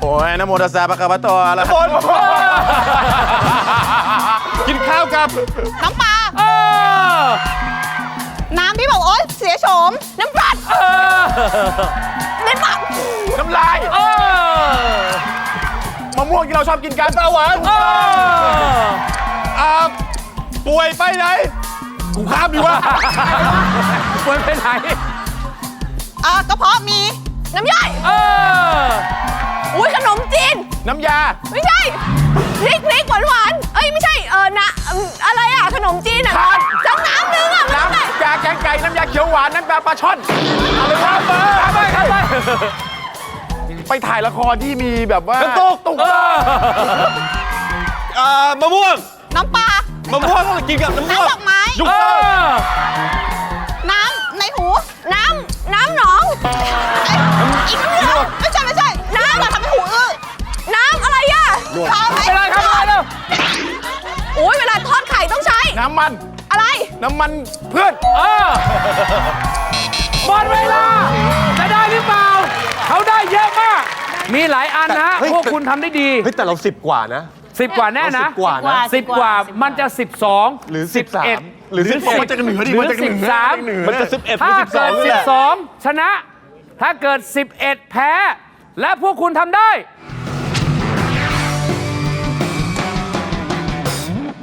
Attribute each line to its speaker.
Speaker 1: อ้ยนะโมตัสสะปะคะวะโตอะระหะโตกินข้าวกับ
Speaker 2: น้ำปลาน้ำที่บอกโอ๊ยเสียโฉมน้ำปลาน้ำปลา
Speaker 1: น้ำลายมะม่วงที่เราชอบกินกันตาหวานป่วยไปไหนกูข้ามดีวะ
Speaker 3: ป่วยไปไหน
Speaker 2: กระเพาะมีน้ำย่อยอุ้ยขนมจีน
Speaker 1: น้ำยา
Speaker 2: ไม่ใช่พริกหวานเอ้ยไม่ใช่นะอะไรอ่ะขนมจีนอ่ะสักน้ำนึงอ่ะ
Speaker 1: น้
Speaker 2: มันอะไร
Speaker 1: ำยาแกงไก่น้ำยาเขียวหวานน้ำยาปลาช่อนอะไรวะไปถ่ายละครที่มีแบบว่าตุกมะม่วง
Speaker 2: น้ำปลาม
Speaker 1: ะม่วงต้องกินกับน้ำม่วง
Speaker 2: น้ำดอกไม้
Speaker 1: ยุกเตอร์
Speaker 2: น้ำในหูน้ำหนองอีกน้ำเหลืองไม่ใช่น้ำเราทำให้หูน้ำอะไรอ่ะทำไหม
Speaker 3: ไปเลยครับไปเลย
Speaker 2: โอ้ยเวลาทอดไข่ต้องใช้
Speaker 1: น้ำมัน
Speaker 2: อะไร
Speaker 1: น้ำมันเพื่อน
Speaker 3: หมดเวลาจะได้หรือเปล่าเขาได้เยอะมากมีหลายอันนะพวกคุณทำได้ดี
Speaker 4: เฮ้ยแต่เรา10 กว่านะ
Speaker 3: 10 กว่าแน่นะ
Speaker 4: 10 กว่านะ
Speaker 3: 10 กว่ามันจะ 12
Speaker 4: หรือ
Speaker 3: 11
Speaker 4: หรือ
Speaker 1: 10มันจะเหนือดิมันจะเหนือ
Speaker 3: 13
Speaker 4: มันจะ11หรือ
Speaker 3: ถ้าเกิด
Speaker 4: 12เนี่ย
Speaker 3: 12 ชนะ ถ้าเกิด 11 แพ้ และพวกคุณทำได้